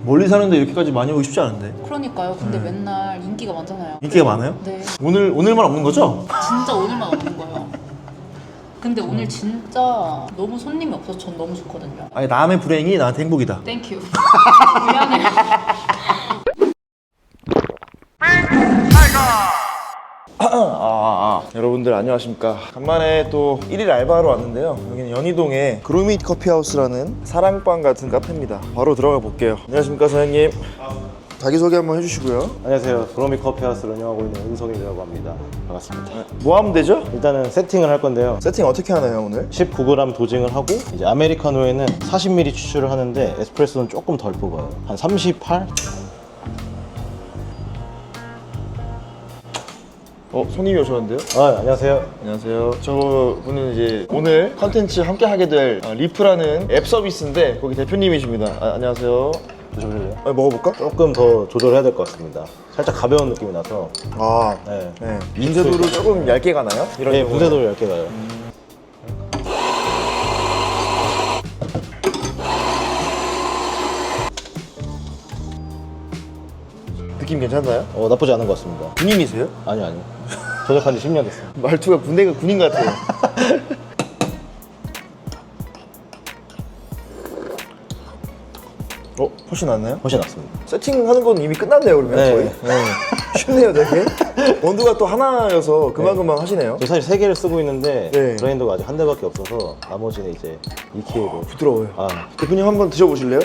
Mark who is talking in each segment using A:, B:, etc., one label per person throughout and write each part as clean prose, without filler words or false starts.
A: 멀리 사는데 이렇게까지 많이 오기 쉽지 않은데.
B: 그러니까요. 근데 맨날 인기가 많잖아요.
A: 인기가 많아요?
B: 네.
A: 오늘만 없는 거죠?
B: 진짜 오늘만 없는 거예요. 근데 오늘 진짜 너무 손님이 없어서 전 너무 좋거든요.
A: 아니 남의 불행이 나한테 행복이다.
B: 땡큐. 미안해.
A: 여러분들 안녕하십니까. 간만에 또 1일 알바하러 왔는데요. 여기는 연희동에 그로밋 커피하우스라는 사랑방 같은 카페입니다. 바로 들어가 볼게요. 안녕하십니까 사장님. 자기소개 한번 해주시고요.
C: 안녕하세요. 그로밋 커피하우스를 운영하고 있는 은성이라고 합니다. 반갑습니다.
A: 뭐 하면 되죠?
C: 일단은 세팅을 할 건데요.
A: 세팅 어떻게 하나요 오늘?
C: 19g 도징을 하고 이제 아메리카노에는 40ml 추출을 하는데 에스프레소는 조금 덜 뽑아요. 한 38?
A: 손님이 오셨는데요?
C: 안녕하세요.
A: 안녕하세요. 저분은 이제 오늘 컨텐츠 함께 하게 될 리프라는 앱 서비스인데 거기 대표님이십니다. 안녕하세요.
C: 드셔보실래요?
A: 먹어볼까?
C: 조금 더 조절해야 될 것 같습니다. 살짝 가벼운 느낌이 나서. 네.
A: 네. 분쇄도로 조금 얇게 가나요? 이런
C: 네,
A: 경우는?
C: 분쇄도를 얇게 가요.
A: 느낌 괜찮나요?
C: 나쁘지 않은 것 같습니다.
A: 군인이세요?
C: 아니요. 조작한 지 10년 됐어요.
A: 말투가 군대가 군인 같아요. 훨씬 낫나요?
C: 훨씬 낫습니다.
A: 세팅하는 건 이미 끝났네요 그러면
C: 네.
A: 거의. 쉽네요 되게. 원두가 또 하나여서 금방금방 하시네요.
C: 저 사실 3개를 쓰고 있는데
A: 네.
C: 그라인더가 아직 한 대밖에 없어서 나머지는 이제 2K로.
A: 부드러워요.
C: 아,
A: 대표님 한번 드셔보실래요?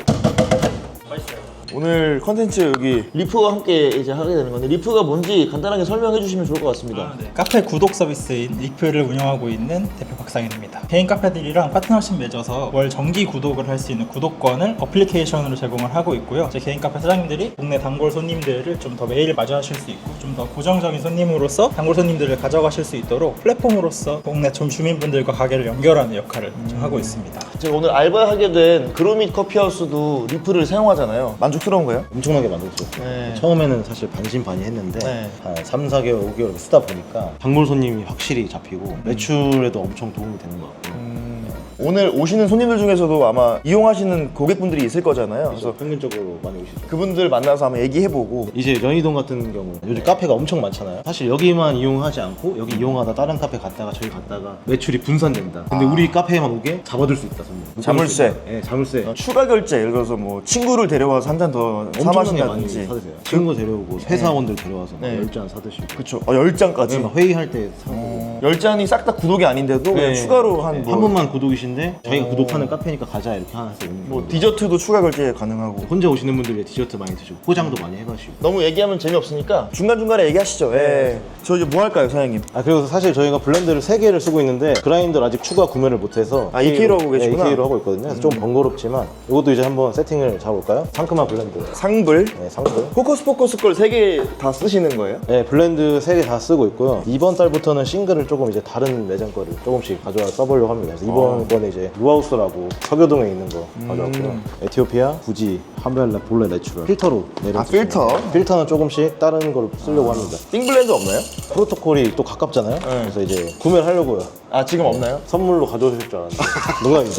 A: 맛있어요. 오늘 컨텐츠 여기 리프와 함께 이제 하게 되는 건데 리프가 뭔지 간단하게 설명해 주시면 좋을 것 같습니다.
D: 네. 카페 구독 서비스인 리프를 운영하고 있는 대표 박상일입니다. 개인 카페들이랑 파트너십 맺어서 월 정기 구독을 할 수 있는 구독권을 어플리케이션으로 제공을 하고 있고요. 제 개인 카페 사장님들이 동네 단골 손님들을 좀 더 매일 마주하실 수 있고 좀 더 고정적인 손님으로서 단골 손님들을 가져가실 수 있도록 플랫폼으로서 동네 좀 주민분들과 가게를 연결하는 역할을 좀 하고 있습니다.
A: 제가 오늘 알바하게 된 그로밋 커피하우스도 리프를 사용하잖아요. 만족스러운가요?
C: 엄청나게 만들었죠.
A: 네.
C: 처음에는 사실 반신반의했는데
A: 네.
C: 한 3, 4개월, 5개월 쓰다 보니까 단골 손님이 확실히 잡히고 매출에도 엄청 도움이 되는 것 같고요.
A: 오늘 오시는 손님들 중에서도 아마 이용하시는 고객분들이 있을 거잖아요.
C: 그래서
A: 그래서
C: 평균적으로 많이 오시죠.
A: 그분들 만나서 한번 얘기해보고
C: 이제 연희동 같은 경우 요즘 카페가 엄청 많잖아요. 사실 여기만 이용하지 않고 여기 이용하다 다른 카페 갔다가 저기 갔다가 매출이 분산된다. 근데 우리 카페에만 오게 잡아둘 수 있다. 손님.
A: 자물쇠.
C: 네, 자물쇠.
A: 추가 결제 예를 들어서 뭐 친구를 데려와서 한 잔 더
C: 엄청나게 많이
A: 사마신다든지
C: 사드세요. 친구 데려오고 회사원들 데려와서
A: 네.
C: 10잔 사드시고.
A: 그쵸. 10잔까지
C: 막 회의할 때 사고.
A: 10잔이 싹 다 구독이 아닌데도 그냥
C: 네.
A: 추가로 한 뭐
C: 한 분만 구독이신데 저희가 구독하는 카페니까 가자 이렇게 하나 해서 오는
A: 뭐
C: 거예요.
A: 디저트도 추가 결제 가능하고.
C: 혼자 오시는 분들 위해 디저트 많이 드시고 포장도 많이 해가시고.
A: 너무 얘기하면 재미없으니까 중간중간에 얘기하시죠. 예. 저 이제 뭐 할까요 사장님?
C: 그리고 사실 저희가 블렌더를 3개를 쓰고 있는데 그라인더를 아직 추가 구매를 못해서
A: 2K로 하고 계시구나.
C: 2K로 하고 있거든요. 그래서 좀 번거롭지만 이것도 이제 한번 세팅을 잡아볼까요? 상큼한 블렌드.
A: 상불
C: 네, 상큼.
A: 포커스 걸 3개 다 쓰시는 거예요?
C: 네, 블렌드 3개 다 쓰고 있고요. 이번 달부터는 싱글을 조금 이제 다른 매장 거를 조금씩 가져와 써보려고 합니다. 그래서 이번 거는 이제 루하우스라고 서교동에 있는 거 가져왔고요. 에티오피아, 부지, 하멜라, 볼레 내추럴 필터로 내려서
A: 필터?
C: 필터는 조금씩 다른 걸 쓰려고 합니다.
A: 띵블렌드 없나요?
C: 프로토콜이 또 가깝잖아요. 그래서 이제 구매를 하려고요.
A: 지금 없나요?
C: 선물로 가져오실 줄 알았는데 농담입니다.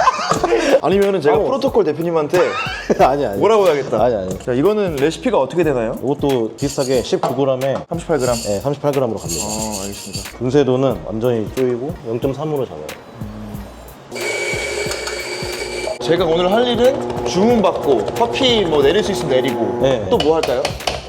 A: 아니면은 제가 프로토콜 대표님한테
C: 아니.
A: 뭐라고 해야겠다.
C: 아니.
A: 자, 이거는 레시피가 어떻게 되나요?
C: 이것도 비슷하게 19g에
A: 38g.
C: 네, 38g으로 갑니다.
A: 알겠습니다.
C: 분쇄도는 완전히 쪼이고 0.3으로 잡아요.
A: 제가 오늘 할 일은 주문 받고 커피 뭐 내릴 수 있으면 내리고
C: 네.
A: 또 뭐 할까요?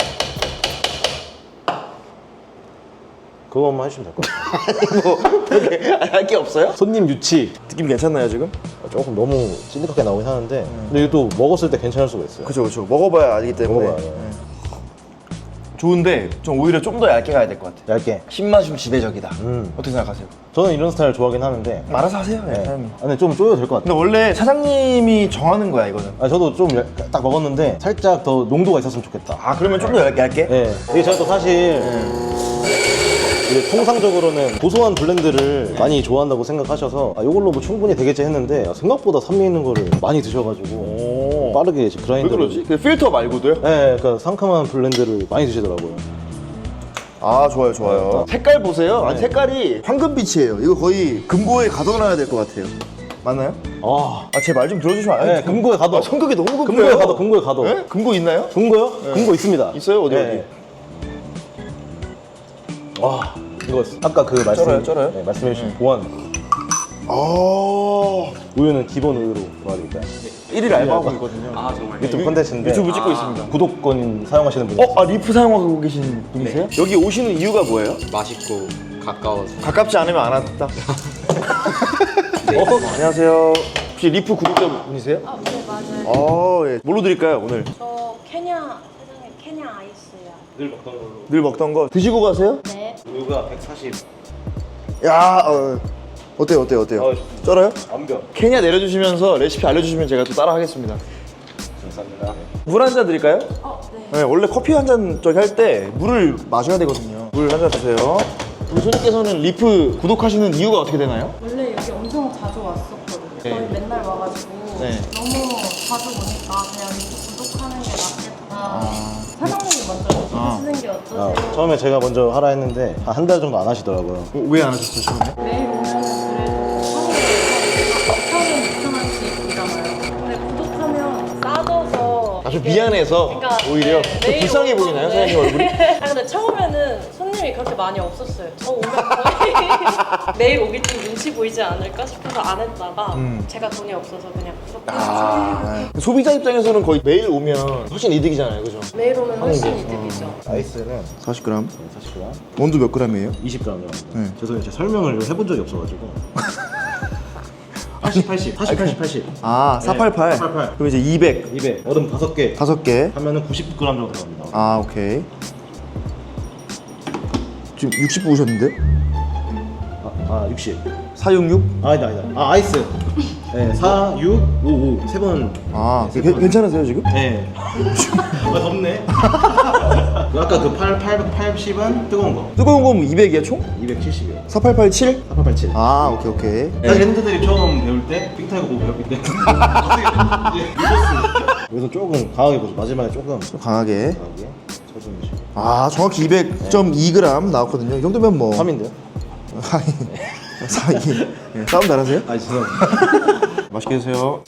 C: 그것만 해주시면 될 것 같아요.
A: 뭐 그렇게 할 게 없어요?
C: 손님 유치
A: 느낌 괜찮나요 지금?
C: 조금 너무 찐득하게 나오긴 하는데 근데 이거 또 먹었을 때 괜찮을 수가 있어요.
A: 그쵸. 먹어봐야 알기 때문에.
C: 먹어봐야 돼요.
A: 좋은데 좀 오히려 좀 더 얇게 가야 될 것 같아요.
C: 얇게.
A: 신맛이 좀 지배적이다. 어떻게 생각하세요?
C: 저는 이런 스타일 좋아하긴 하는데
A: 알아서 하세요,
C: 네.
A: 사장님.
C: 근데 좀 쪼여도 될 것 같아요.
A: 근데 원래 사장님이 정하는 거야 이거는.
C: 저도 좀 딱 먹었는데 살짝 더 농도가 있었으면 좋겠다.
A: 그러면 좀 더 얇게?
C: 네. 이게 제가 또 사실 이게 통상적으로는 고소한 블렌드를 많이 좋아한다고 생각하셔서 이걸로 뭐 충분히 되겠지 했는데 생각보다 산미 있는 거를 많이 드셔가지고 빠르게 이제
A: 왜
C: 그라인더를
A: 그러지? 그 필터 말고도요?
C: 네, 그러니까 상큼한 블렌드를 많이 드시더라고요.
A: 좋아요. 색깔 보세요. 아니 색깔이 황금빛이에요. 이거 거의 금고에 가둬놔야 될 것 같아요. 맞나요?
C: 아,
A: 제 말 좀 들어주시면 안 돼요?
C: 네, 금고에 가둬.
A: 성격이 너무 급해요.
C: 금고에 가둬, 금고에 가둬.
A: 네? 금고 있나요?
C: 금고요? 금고 있습니다.
A: 있어요? 어디
C: 네. 와, 이거 아까 그 말씀
A: 쩔어요?
C: 네, 말씀해주신 보안
A: 아,
C: 우유는 기본 우유로 도와드릴까요?
A: 1일 알바하고 있거든요.
E: 아 정말.
C: 유튜브 콘텐츠인데
A: 유튜브 찍고 있습니다.
C: 구독권 사용하시는 분이
A: 리프 사용하고 계신 분이세요? 여기 오시는 이유가 뭐예요?
E: 맛있고 가까워서.
A: 가깝지 않으면 안 왔다. 안녕하세요. 혹시 리프 구독자 분이세요?
F: 네, 맞아요.
A: 예. 뭘로 드릴까요, 오늘?
F: 저 케냐, 사장님 케냐 아이스요.
C: 늘 먹던 걸로
A: 늘 먹던 거 드시고 가세요?
F: 네.
C: 우유가 140
A: 야, 어때요? 쩔어요?
C: 완벽.
A: 케냐 내려주시면서 레시피 알려주시면 제가 또 따라 하겠습니다.
C: 감사합니다.
A: 물 한 잔 드릴까요?
F: 네.
A: 네, 원래 커피 한 잔 저기 할 때 물을 마셔야 되거든요. 물 한 잔 드세요. 우리 손님께서는 리프 구독하시는 이유가 어떻게 되나요?
F: 원래 여기 엄청 자주 왔었거든요.
A: 네.
F: 거의 맨날 와가지고
A: 네.
F: 너무 자주 오니까 그냥 이렇게 구독하는 게 낫겠다. 사장님이 먼저 쓰는 게 어떠세요?
C: 처음에 제가 먼저 하라 했는데 한 달 정도 안 하시더라고요.
A: 왜 안 하셨어요, 처음에?
F: 매일 오면은 그래도 하루에 4,000원, 6,000원씩이잖아요. 근데 구독하면 싸져서
A: 아주 미안해서
F: 그러니까
A: 오히려
F: 네,
A: 더
F: 매일
A: 불쌍해
F: 오면-
A: 보이나요,
F: 네.
A: 사장님 얼굴이?
F: 아 근데 처음에는 손님이 그렇게 많이 없었어요. 저 오면 거의 매일 오기 좀 눈치 보이지 않을까 싶어서 안 했다가 제가 돈이 없어서 그냥 구독해서
A: 소비자 입장에서는 거의 매일 오면 훨씬 이득이잖아요, 그죠?
F: 매일 오면 훨씬 이득이죠.
C: 아이스는
A: 40g.
C: 40g,
A: 원두 몇 g이에요?
C: 20g 정도.
A: 네.
C: 죄송해요, 제가 설명을 해본 적이 없어가지고. 80, 80, 40, 80, 80.
A: 488.
C: 488.
A: 그럼 이제 200.
C: 200. 얼음 5개
A: 5개.
C: 하면은 90g 정도 들어갑니다.
A: 오케이. 지금 60 부으셨는데?
C: 60.
A: 466?
C: 아니다. 아이스. 네, 4, 6, 5, 5. 세 번.
A: 괜찮으세요, 지금?
C: 네. 덥네. 아까 그 880은 뜨거운 거.
A: 뜨거운 거면 200이야, 총?
C: 270이요.
A: 4887?
C: 487.
A: 오케이.
C: 사실 핸드들이 처음 배울 때 빅타이거 보고 배웠기 때문에 어떻게 미쳤어. 여기서 조금 강하게 보죠. 마지막에 조금
A: 강하게.
C: 쳐주시고.
A: 정확히 200.2g 나왔거든요. 이 정도면 뭐.
C: 3인데요?
A: 싸움 잘하세요?
C: 죄송합니다.
A: 맛있게 드세요.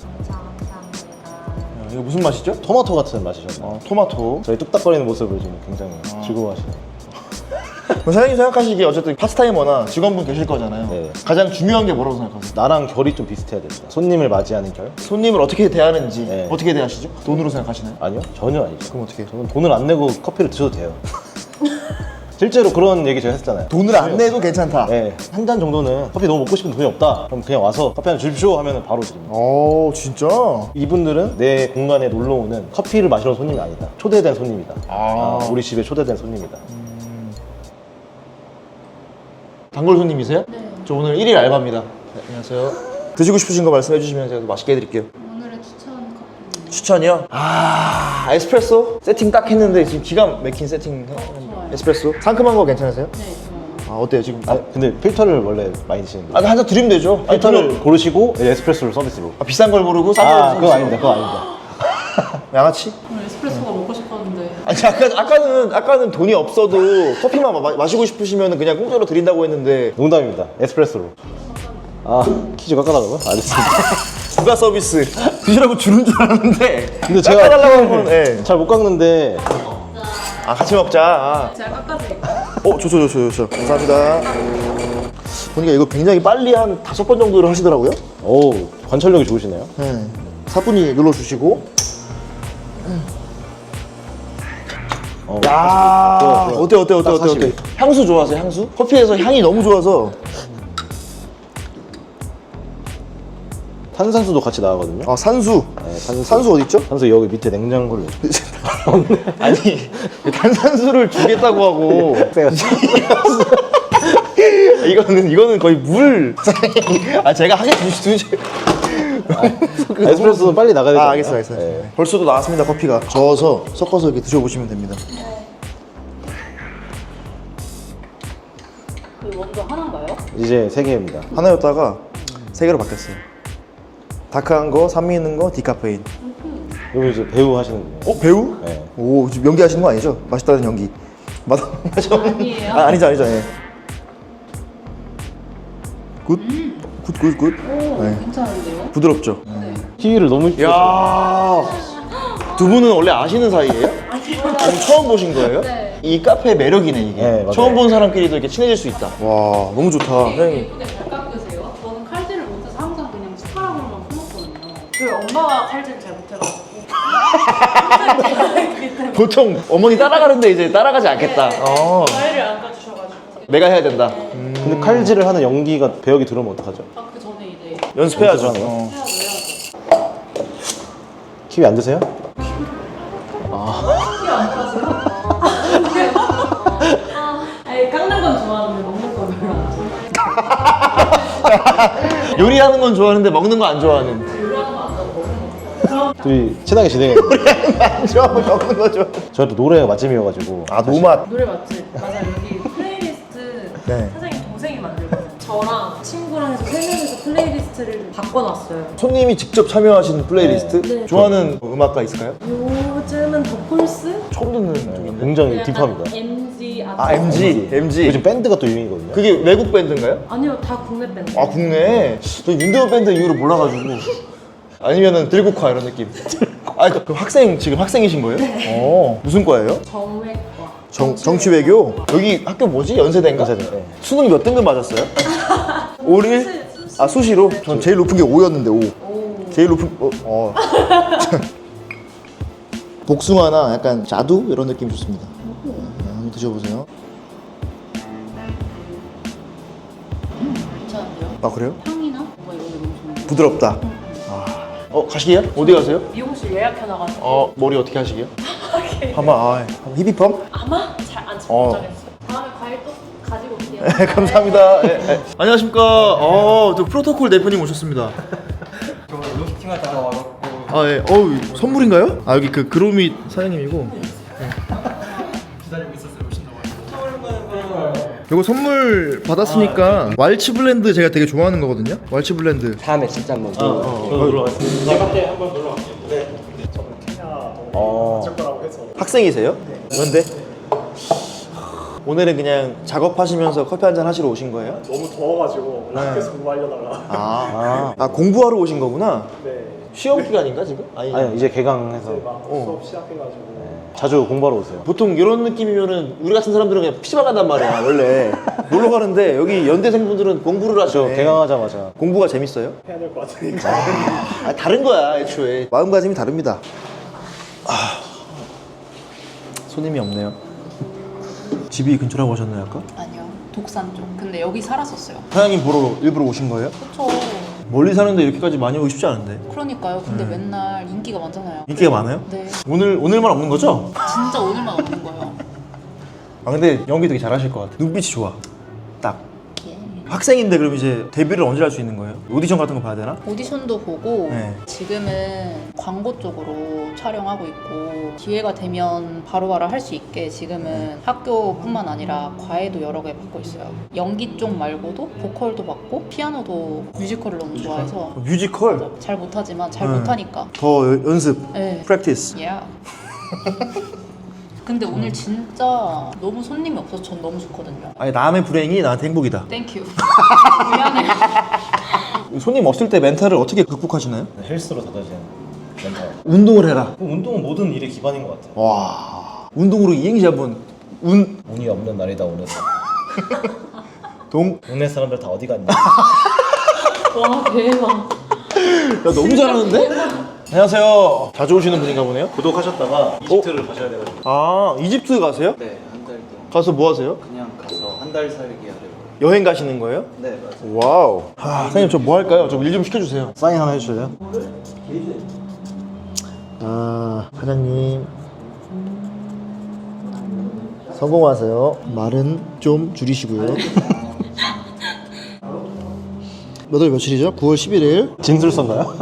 A: 이거 무슨 맛이죠?
C: 토마토 같은 맛이셨나요?
A: 토마토.
C: 저희 뚝딱거리는 모습을 지금 굉장히 즐거워하시네요.
A: 사장님 생각하시기에 어쨌든 파트타이머나 직원분 계실 거잖아요.
C: 네.
A: 가장 중요한 게 뭐라고 생각하세요?
C: 나랑 결이 좀 비슷해야 됩니다. 손님을 맞이하는 결?
A: 손님을 어떻게 대하는지
C: 네.
A: 어떻게 대하시죠? 돈으로 생각하시나요?
C: 아니요, 전혀 아니죠.
A: 그럼 어떻게 해요?
C: 저는 돈을 안 내고 커피를 드셔도 돼요. 실제로 그런 얘기 제가 했잖아요.
A: 돈을 안 내도 괜찮다.
C: 네, 한 잔 정도는 커피 너무 먹고 싶은 돈이 없다. 그럼 그냥 와서 커피 한 잔 주십시오 하면 바로 드립니다.
A: 진짜?
C: 이분들은 내 공간에 놀러 오는 커피를 마시러 온 손님이 아니다. 초대된 손님이다. 우리 집에 초대된 손님이다.
A: 단골 손님이세요? 네. 저 오늘 1일 알바입니다. 네, 안녕하세요. 드시고 싶으신 거 말씀해 주시면 제가 또 맛있게 해드릴게요.
B: 오늘의 추천 커피.
A: 추천이요? 에스프레소? 세팅 딱 했는데 지금 기가 막힌 세팅
B: 좋아요.
A: 에스프레소? 상큼한 거 괜찮으세요?
B: 네, 좋아요.
A: 어때요 지금?
C: 근데 필터를 원래 많이 드시는데.
A: 한 잔 드리면 되죠.
C: 필터를 고르시고 에스프레소를 서비스로.
A: 비싼 걸 고르고 싼 걸
C: 그건 아닙니다. 그건 아닙니다.
A: 양아치?
B: 오늘 에스프레소가 먹고 싶었는데.
A: 아까는 돈이 없어도 커피만 마시고 싶으시면 그냥 공짜로 드린다고 했는데
C: 농담입니다. 에스프레소로. 퀴즈 깎아달라고요? 알겠습니다.
A: 부가 서비스 드시라고 주는 줄 알았는데
C: 근데 제가
A: 깎아달라고 하면 예.
C: 잘 못 깎는데.
A: 같이 먹자.
B: 제가 깎아드릴게요.
A: 좋죠. 감사합니다. 보니까 이거 굉장히 빨리 한 5번 정도를 하시더라고요.
C: 오, 관찰력이 좋으시네요.
A: 네. 사분이 눌러주시고. 야,
C: 좋아.
A: 어때?
C: 딱 40.
A: 향수 좋아하세요? 향수? 커피에서 향이 너무 좋아서.
C: 탄산수도 같이 나가거든요.
A: 산수.
C: 네,
A: 산수 어디 있죠?
C: 탄수 여기 밑에 냉장고를.
A: 아니, 탄산수를 주겠다고 하고. 이거는 거의 물. 제가 하게 두시.
C: 에스프레소는 빨리 나가야 되잖아요.
A: 알겠어요.
C: 네.
A: 벌써도 나왔습니다, 커피가. 저어서 섞어서 이렇게 드셔보시면 됩니다.
B: 그 원두 하나인가요?
C: 이제 3개입니다.
A: 하나였다가 3개로 바뀌었어요. 다크한 거, 산미 있는 거, 디카페인.
C: 여기 이제 배우 하시는 분이에요.
A: 배우?
C: 네.
A: 오, 지금 연기하시는 거 아니죠? 맛있다는 연기. 맞아?
B: 아니에요.
A: 아니죠. 예. 굿. 굿. 네.
B: 괜찮은데요?
A: 부드럽죠?
C: 키위를 너무
A: 야, 두 분은 원래 아시는 사이예요? 아니요. 처음 보신 거예요?
B: 네.
A: 이 카페의 매력이네 이게.
C: 네, 맞아요.
A: 처음 본 사람끼리도 이렇게 친해질 수 있다. 와, 너무 좋다. 사장님.
B: 예쁘게 잘 깎으세요? 저는 칼질을 못해서 항상 그냥 숟가락으로만 풀었거든요.
F: 저희 엄마가 칼질 잘 못해가지고.
A: 보통 어머니 따라가는데 이제 따라가지 않겠다.
F: 과일을 안 까주셔가지고.
A: 내가 해야 된다.
C: 근데 칼질을 하는 연기가 배역이 들어오면 어떡하죠?
B: 아, 그 전에 이제
A: 연습해야죠.
C: 연습하는 거?
A: 어.
C: 키위 안 드세요?
F: 아니 깎는 건 좋아하는데 먹는 건 별로 안 좋아해요.
A: 요리하는 건 좋아하는데 먹는 거 안 좋아하는.
C: 둘이 친하게 지내요.
A: 안 좋아하고 먹는 거 좋아.
C: 저희 또 노래가 맛집이어가지고
A: 아, 노맛.
F: 노래 맞지? 맞아 여기 플레이리스트
A: 네.
F: 사장님 동생이 만들거든요. 저랑 친구랑 해서 3명이서 플레이리스트를 바꿔놨어요.
A: 손님이 직접 참여하신 플레이리스트?
F: 네.
A: 좋아하는 음악가 있을까요?
F: 요즘은 더폴스?
A: 처음 듣는 쪽인데.
C: 굉장히 딥합니다.
F: MG
A: 아, MG.
C: 요즘 밴드가 또 유행이거든요.
A: 그게 외국 밴드인가요?
F: 아니요 다 국내 밴드.
A: 아, 국내. 저 윤대호 밴드 이후로 몰라가지고. 아니면은 들국화 이런 느낌. 아, 그 학생 지금 학생이신 거예요? 네. 무슨 과예요?
F: 정외과.
A: 정치외교. 여기 학교 뭐지? 연세대인가?
C: 연세대, 네.
A: 수능 몇 등급 맞았어요? 5를? 아, 수시로? 전 제일 높은 게 5였는데 5. 제일 높은 복숭아나 약간 자두 이런 느낌 좋습니다. 네, 한번 드셔보세요.
B: 괜찮은데요?
A: 아, 그래요?
B: 향이나 뭔가 이런 게 너무 좋은데.
A: 부드럽다. 가시게요? 어디 가세요?
F: 미용실 예약해놔가지고
A: 머리 어떻게 하시게요? 한번 히비펌?
F: 아마 잘 안
A: 어.
F: 못하겠어요.
B: 다음에 과일 또 가지고 올게요.
A: 네, 감사합니다. 안녕하십니까. 저 프로토콜 대표님 오셨습니다.
D: 저 로스팅하다가 와갖고
A: 선물인가요? 여기 그 그로미 사장님이고.
D: 기다리고 있었어요. 오신다고 해서.
A: 이거 선물 받았으니까 왈츠 블렌드 제가 되게 좋아하는 거거든요. 왈츠 블렌드.
E: 다음에 진짜 한번
D: 제가 때 한번 놀러 왔어요.
A: 학생이세요? 그런데 오늘은 그냥 작업하시면서 커피 한잔 하시러 오신 거예요?
G: 너무 더워가지고 학교에서 공부하려다가
A: 공부하러 오신 거구나.
G: 네,
A: 시험 기간인가 지금?
C: 아니 이제 개강해서
G: 막 수업 시작해가지고
C: 자주 공부하러 오세요.
A: 보통 이런 느낌이면은 우리 같은 사람들은 그냥 PC방 간단 말이야 원래. 놀러 가는데 여기 연대생분들은 공부를
C: 저
A: 하시네.
C: 개강하자마자
A: 공부가 재밌어요?
G: 해야 될 것 같으니까
A: 다른 거야 애초에. 마음가짐이 다릅니다. 손님이 없네요. 집이 근처라고 하셨나요 아까?
B: 아니요. 독산 쪽. 근데 여기 살았었어요.
A: 사장님 보러 일부러 오신 거예요?
B: 그쵸.
A: 멀리 사는데 이렇게까지 많이 오기 쉽지 않은데.
B: 그러니까요. 근데 맨날 인기가 많잖아요.
A: 인기가 많아요?
B: 네.
A: 오늘만 없는 거죠?
B: 진짜 오늘만 없는 거예요.
A: 근데 연기 되게 잘하실 것 같아. 눈빛이 좋아. 딱.
B: 예.
A: 학생인데 그럼 이제 데뷔를 언제 할 수 있는 거예요? 오디션 같은 거 봐야 되나?
B: 오디션도 보고
A: 네.
B: 지금은 광고 쪽으로 촬영하고 있고 기회가 되면 바로바로 할 수 있게 지금은 학교뿐만 아니라 과외도 여러 개 받고 있어요. 연기 쪽 말고도 보컬도 받고 피아노도 뮤지컬을 너무 좋아해서
A: 뮤지컬?
B: 잘 못하지만 잘
A: 네.
B: 못하니까
A: 더 연습,
B: 네.
A: 프랙티스.
B: 예. 근데 오늘 진짜 너무 손님이 없어서 전 너무 좋거든요.
A: 아니 남의 불행이 나한테 행복이다.
B: 땡큐. 미안해요.
A: 손님 없을 때 멘탈을 어떻게 극복하시나요?
C: 헬스로 다져지는 멘탈.
A: 운동을 해라.
C: 운동은 모든 일의 기반인 것 같아요.
A: 와, 운동으로 이행시 한번.
C: 운이 없는 날이다 오늘. 동네 사람들 다 어디 갔냐?
F: 와 대박.
A: 야, 너무 잘하는데? 안녕하세요. 자주 오시는 분인가 보네요.
C: 구독하셨다가 이집트를 가셔야 돼가지고.
A: 이집트 가세요?
E: 네, 한 달 동안
A: 가서 뭐 하세요?
E: 그냥 가서 한 달 살기 하려고.
A: 여행 가시는 거예요?
E: 네, 맞아요.
A: 와우. 사장님 저 뭐 할까요? 저 일 좀 시켜주세요.
C: 사인 하나 해주실래요?
A: 사장님 성공하세요. 말은 좀 줄이시고요. 몇 월 며칠이죠? 9월 11일.
C: 진술서인가요?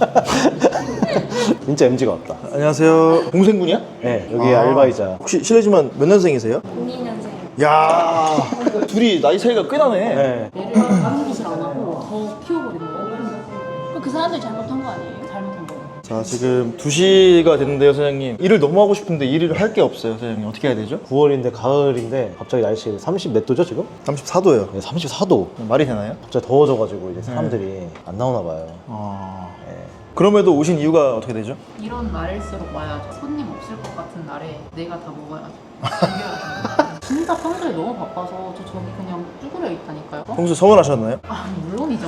C: 진짜 MG가 왔다.
A: 안녕하세요. 동생분이야?
C: 네, 여기 알바이자.
A: 혹시 실례지만 몇 년생이세요?
F: 02년생.
A: 야, 둘이 나이 차이가 꽤 나네.
C: 네.
B: 얘를 다른 짓을 안 하고 더 키워버린 거예요. 그럼 그 사람들이 잘못한 거 아니에요? 잘못한 거예요.
A: 자, 지금 2시가 됐는데요, 사장님. 일을 너무 하고 싶은데 일을 할 게 없어요, 사장님. 어떻게 해야 되죠?
C: 9월인데 가을인데 갑자기 날씨 30 몇 도죠 지금?
A: 34도요.
C: 네, 34도.
A: 말이 되나요?
C: 갑자기 더워져가지고 이제 사람들이 안 나오나 봐요.
A: 그럼에도 오신 이유가 어떻게 되죠?
B: 이런 날일수록 와야죠. 손님 없을 것 같은 날에 내가 다 먹어야죠. 진짜 평소에 너무 바빠서 저기 그냥 쭈그려 있다니까요.
A: 평소 서운하셨나요?
B: 아 물론이죠.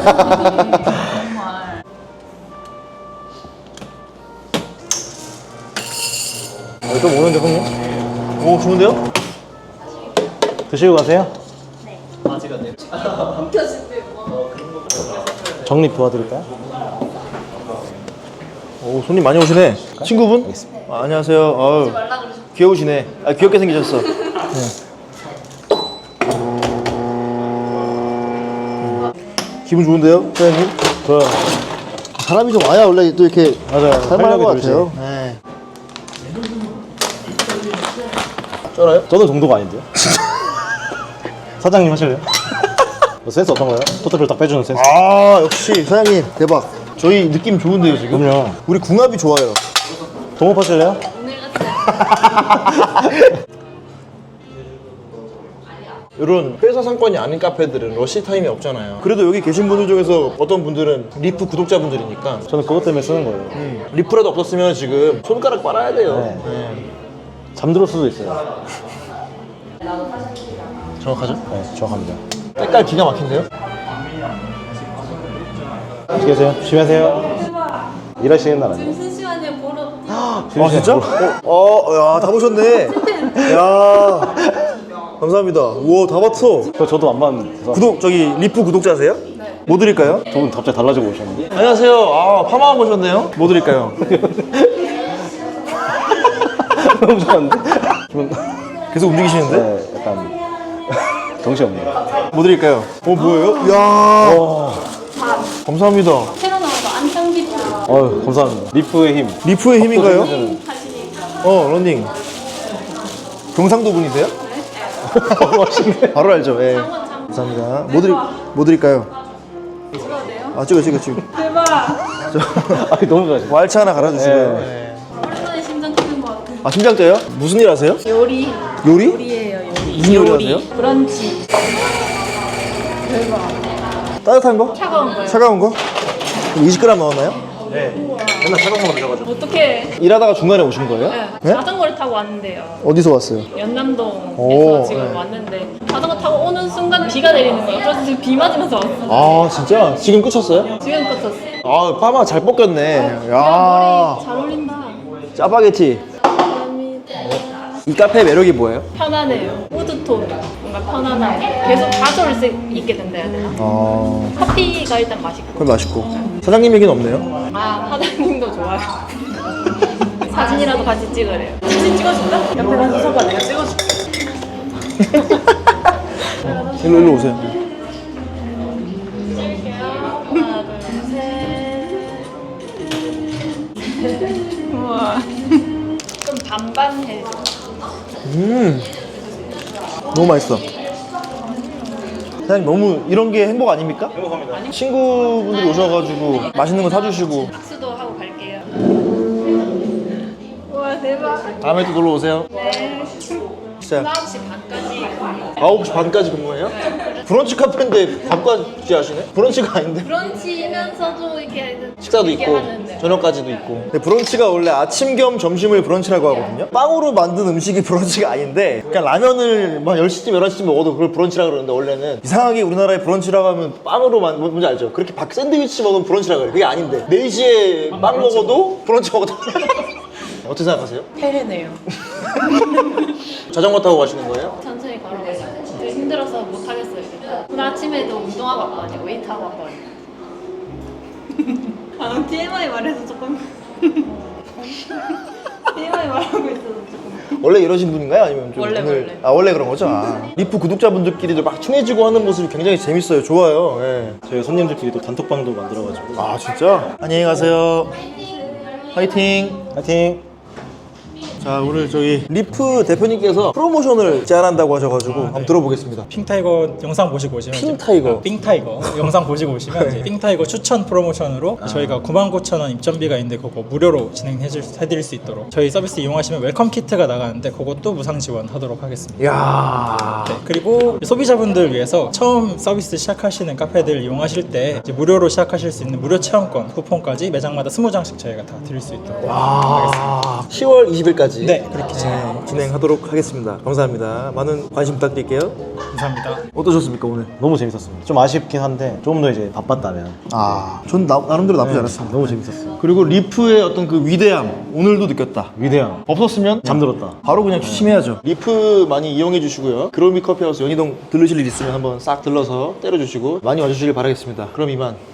B: 정말.
A: 좀 오는데, 손님? 오, 좋은데요?
C: 드시고 가세요? 정립 도와드릴까요?
A: 오, 손님 많이 오시네. 친구분? 아, 안녕하세요. 아유, 귀여우시네. 아, 귀엽게 생기셨어. 기분 좋은데요, 사장님?
C: 저
A: 사람이 좀 와야 원래 또 이렇게
C: 맞아요.
A: 살만한 것
C: 활력이
A: 같아요.
C: 돌지.
A: 네. 쩔어요?
C: 저는 정도가 아닌데요? 사장님 하실래요? 뭐 센스 어떤가요? 토탈을 딱 빼주는 센스.
A: 아, 역시 사장님 대박. 저희 느낌 좋은데요, 지금?
C: 그럼요.
A: 우리 궁합이 좋아요.
C: 동업하실래요?
A: 이런 회사 상권이 아닌 카페들은 러시 타임이 없잖아요. 그래도 여기 계신 분들 중에서 어떤 분들은 리프 구독자분들이니까
C: 저는 그것 때문에 쓰는 거예요.
A: 리프라도 없었으면 지금 손가락 빨아야 돼요.
C: 네.
A: 네.
C: 잠들 수도 있어요.
A: 정확하죠?
C: 네, 정확합니다.
A: 색깔 기가 막힌데요?
C: 안녕히 계세요. 조심히 하세요. 일하시는 날 아니에요?
F: 무슨 시간에 보러
A: 아, 진짜? 야, 다 보셨네. 야, 감사합니다. 우와, 다 봤어.
C: 저도 안 봤는데
A: 구독, 저기 리프 구독자세요? 네. 뭐 드릴까요?
C: 저분 갑자기 달라지고 오셨는데.
A: 안녕하세요. 아, 파마하고 오셨네요. 뭐 드릴까요?
C: 너무 좋았는데?
A: 계속 움직이시는데?
C: 네, 약간 정신없네요.
A: 뭐 드릴까요? 뭐예요? 이야. 감사합니다.
F: 새로 나온 거 안창비트
C: 어휴, 감사합니다. 리프의 힘.
A: 리프의 힘인가요? 러닝. 경상도 분이세요? 바로 알죠. 예. 감사합니다. 뭐 드릴까요? 아, 찍어.
F: 대박.
C: 아니, 너무 좋아하시네.
A: 왈츠 하나 갈아주시고요.
C: 네.
F: 오랜만에 심장 뛰는 것 같아.
A: 아, 심장 떠요? 무슨 일 하세요?
F: 요리
A: 요리?
F: 요리예요 요리.
A: 무슨 요리 하세요?
F: 브런치.
A: 따뜻한 거?
F: 차가운 거요.
A: 차가운 거? 20g 넣었나요? 네. 맨날 차가운 거 드셔가지고.
F: 어떻게?
A: 일하다가 중간에 오신 거예요?
F: 네. 자전거를 타고 왔는데요.
A: 어디서 왔어요?
F: 연남동에서
A: 오,
F: 지금
A: 네.
F: 왔는데 자전거 타고 오는 순간 비가 내리는 거예요. 그래서 지금 비 맞으면서 왔어요.
A: 아, 진짜? 지금 끝쳤어요?
F: 지금 끝었어.
A: 아, 파마 잘 뽑겼네.
F: 머리
A: 야,
F: 잘 어울린다.
A: 짜파게티. 이 카페의 매력이 뭐예요?
F: 편안해요. 우드톤 뭔가 편안함. 계속 가져올 수 있게 된다 해야 되나? 커피가 일단 맛있고.
A: 그건 맛있고. 사장님 얘기는 없네요.
F: 아 사장님도 좋아요. 사진이라도 같이 찍으래요. 사진 찍어줄까? 옆에 가서 서봐 내가 찍어줄게.
A: 일로 오세요.
F: 찍을게요. 하나 둘 셋. 우와. 좀 반반 해줘.
A: 너무 맛있어. 사장님 너무 이런 게 행복 아닙니까?
D: 행복합니다.
A: 친구분들이 오셔가지고 맛있는 거 사주시고.
F: 박수도 하고 갈게요. 우와 대박.
A: 다음에 또 놀러 오세요.
F: 네.
A: 진짜
F: 9시 반까지
A: 9시 반까지 근무해요? 브런치 카페인데 밥까지 하시네? 브런치가 아닌데?
F: 브런치면서도 이렇게
A: 식사도
F: 이렇게
A: 있고
F: 하는데.
A: 저녁까지도 있고. 근데 브런치가 원래 아침 겸 점심을 브런치라고 하거든요. 빵으로 만든 음식이 브런치가 아닌데 그냥 라면을 막 10시쯤 11시쯤 먹어도 그걸 브런치라고 그러는데 원래는 이상하게 우리나라에 브런치라고 하면 빵으로 뭔지 알죠? 그렇게 샌드위치 먹으면 브런치라고 해요. 그게 아닌데 4시에 빵 먹어도 브런치 먹어도 어떻게 생각하세요?
F: 폐해네요.
A: 자전거 타고 가시는 거예요?
F: 천천히 걸어가요. 힘들어서 못 하겠어요. 오늘 아침에도 운동하고 왔거든요. 웨이트 하고 왔거든요. 아, TMI 말해서 조금 TMI 말하고 있어서 조금.
A: 원래 이러신 분인가요? 아니면 좀
F: 원래.
A: 아, 원래 그런 거죠? 아. 리프 구독자분들끼리도 막 친해지고 하는 모습이 굉장히 재밌어요. 좋아요. 예.
C: 저희 손님들끼리 또 단톡방도 만들어가지고.
A: 아, 진짜? 안녕히 가세요. 화이팅.
C: 화이팅!
A: 자, 오늘 저희 리프 대표님께서 프로모션을 제안한다고 하셔가지고 한번 들어보겠습니다.
D: 핑타이거 영상 보시고 오시면
A: 핑타이거?
D: 핑타이거 영상 보시고 오시면 이제 핑타이거 추천 프로모션으로 저희가 99,000원 입점비가 있는데 그거 무료로 진행해드릴 수 있도록 저희 서비스 이용하시면 웰컴 키트가 나가는데 그것도 무상 지원하도록 하겠습니다.
A: 이야.
D: 네, 그리고 소비자분들 위해서 처음 서비스 시작하시는 카페들 이용하실 때 이제 무료로 시작하실 수 있는 무료 체험권 쿠폰까지 매장마다 20장씩 저희가 다 드릴 수 있도록 하겠습니다.
A: 10월 20일까지
D: 네, 그렇게
A: 진행하도록 하겠습니다. 감사합니다. 많은 관심 부탁드릴게요.
D: 감사합니다.
A: 어떠셨습니까 오늘?
C: 너무 재밌었습니다. 좀 아쉽긴 한데 조금 더 이제 바빴다면
A: 전 나름대로 나쁘지 않았습니다.
C: 너무 재밌었어요.
A: 그리고 리프의 어떤 그 위대함 오늘도 느꼈다.
C: 위대함.
A: 없었으면
C: 잠들었다.
A: 바로 그냥 취침해야죠. 리프 많이 이용해 주시고요. 그로미 커피하우스 연희동 들르실 일 있으면 한번 싹 들러서 때려주시고 많이 와주시길 바라겠습니다. 그럼 이만.